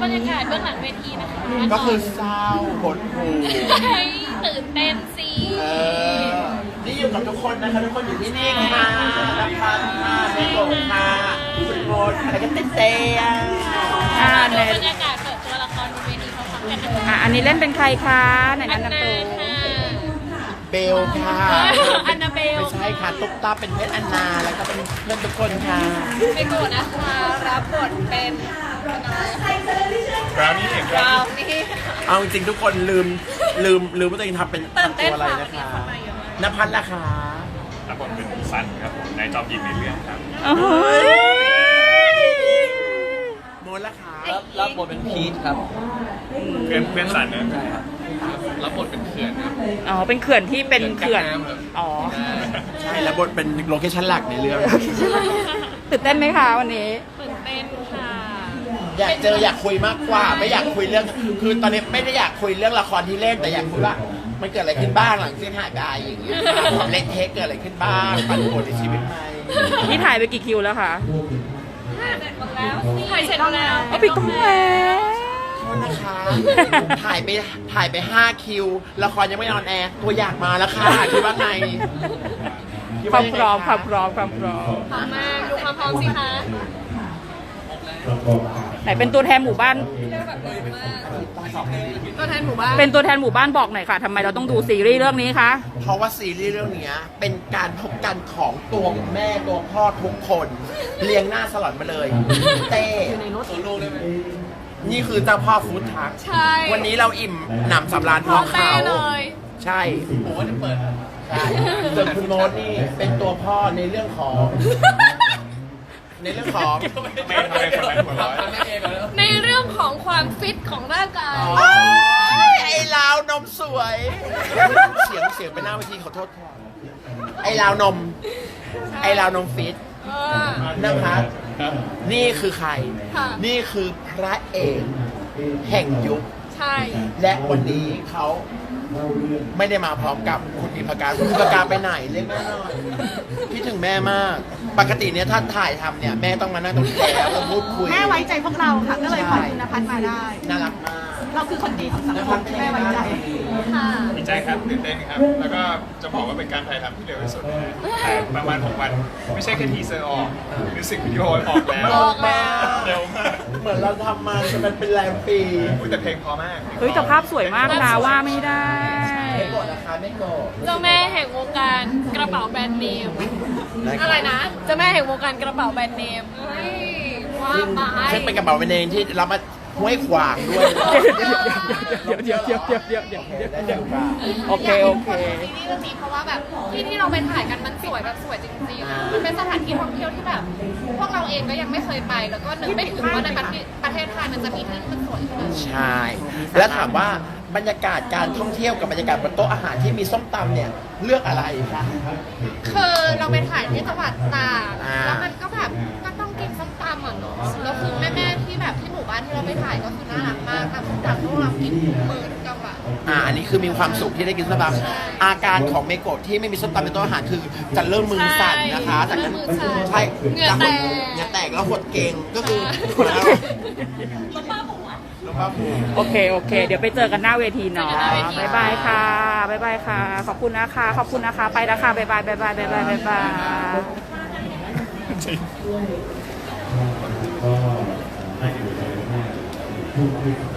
บรรยากาศเบื้องหลังเวทีนะคะก็คือเศร้าหดหู่ตื่นเต้นสินี่อยู่กับทุกคนนะคะทุกคนอยู่ที่นี่ค่ะนักพันค่ะเมโกะค่ะคุณโมดอะไรกันเต้ในบรรยากาศเปิดตัวละครบนเวทีพร้อมๆกันนะคะอันนี้เล่นเป็นใครคะไหนแนะนำตัวเบลค่ะอันนาเบลไม่ใช่ค่ะตุ๊กตาเป็นเพชรอันนาแล้วก็เป็นเพื่อนทุกคนค่ะเมโกะนะคะรับบทเป็นบราวนี่เอาจริงๆทุกคนลืมว่าตัวเองทำเป็นตัวอะไรนะคะนภัสล่ะคะรับบทเป็นซันครับผมนายจอมหญิงในเรื่องครับโมดล่ะคะรับบทเป็นพีทครับเพื่อนซันนะใช่ครับรับบทเป็นเขื่อนครับเป็นเขื่อนที่เป็นเขื่อนใช่แล้วบทเป็นโลเคชั่นหลักในเรื่องตื่นเต้นไหมคะวันนี้ตื่นเต้นค่ะอยากคุยมากกว่าไม่อยากคุยเรื่องคือตอนนี้ไม่ได้อยากคุยเรื่องละครที่เล่นแต่อยากคุยว่ามันเกิดอะไรขึ้นบ้างหลังเส้นหากายอย่างเงี้ยความเล่นเทคเกิดอะไรขึ้นบ้างปั่นป่วนในชีวิตไหมนี่ถ่ายไปกี่คิวแล้วคะถ่ายเสร็จแล้วปิดกล้องแล้วนะคะถ่ายไป5คิวละครยังไม่ออนแอร์ตัวอยากมาแล้วค่ะคิดว่าไงความพร้อมพร้อมมากดูความพร้อมสิคะไหนเป็นตัวแทนหมู่บ้านตัวแทนหมู่บ้านเป็นตัวแทนหมู่บ้านบอกหน่อยค่ะทำไมเราต้องดูซีรีส์เรื่องนี้คะเพราะว่าซีรีส์เรื่องนี้เป็นการพบกันของตัวแม่ตัวพ่อทุกคนเรียงหน้าสลอนมาเลยเต้โซโล่เลยไหมนี่คือเจ้าพ่อฟู้ดทักวันนี้เราอิ่มหนำสำราญพร้อมเขาใช่ผมว่าจะเปิดใช่ส่วนคุณโมดนี่เป็นตัวพ่อในเรื่องของในเรื่องของความฟิตของร่างกายไอ้ลาวนมสวยเสียงไปหน้าเวทีขอโทษค่ะไอ้ลาวนมฟิตนะคะนี่คือใครนี่คือพระเอกแห่งยุคใช่และวันนี้เขาไม่ได้มาพร้อมกับคุณอิมพการคุณอิมพการไปไหนเรียกแม่หน่อยคิดถึงแม่มากปกติเนี่ยถ้าถ่ายทำเนี่ยแม่ต้องมานั่งตรงนี้แล้วพูดคุยแม่ไว้ใจพวกเราค่ะก็เลยขอคุณนภัสมาได้น่ารักมากเราคือคนดีของสังคมแม่ไว้ใจค่ะดีใจครับตื่นเต้นครับแล้วก็จะบอกว่าเป็นการถ่ายทำที่เร็วที่สุดถ่ายประมาณ6 วันไม่ใช่แค่ทีเซอร์ออกมิวสิกวิดีโอออกแล้วเร็วมากเหมือนเราทำมาจะเป็นแรมปีแต่เพลงพอมากแต่ภาพสวยมากนะว่าไม่ได้ไม่โกรธนะคะไม่โกรธเจ้าแม่แห่งวงการกระเป๋าแบรนด์เนมอะไรนะเจ้าแม่แห่งวงการกระเป๋าแบรนด์เนมว่าไปซึ่งเป็นกระเป๋าแบรนด์เนมที่รับมาห้วยขวางด้วยเดี๋ยวโอเคที่นี่เรื่องนี้เพราะว่าแบบที่เราไปถ่ายกันมันสวยแบบสวยจริงๆมันเป็นสถานที่ท่องเที่ยวที่แบบพวกเราเองก็ยังไม่เคยไปแล้วก็นึกไม่ถึงว่าในประเทศไทยมันจะมีที่มันสวยขนาดนี้ใช่แล้วถามว่าบรรยากาศการท่องเที่ยวกับบรรยากาศบนโต๊ะอาหารที่มีส้มตำเนี่ยเลือกอะไรคะคือเราไปถ่ายที่จังหวัดตากแล้วมันก็แบบก็ต้องกินส้มตำอ่ะเนาะแล้วคือแม่ๆที่แบบที่หมู่บ้านที่เราไปถ่ายก็คือน่ารักมากทำส้มตำพวกเรากินมื้อทุกจังหวัดอันนี้คือมีความสุขที่ได้กินส้มตำอาการของเมโกะที่ไม่มีส้มตำในโต๊ะอาหารคือจะเริ่มมือสั่นนะคะจากนั้นใช่เหงื่อแตกแล้วหดเก่งก็คือโอเคเดี๋ยวไปเจอกันหน้าเวทีเนาะบ๊ายบายค่ะขอบคุณนะคะไปแล้วค่ะบ๊ายบายจริง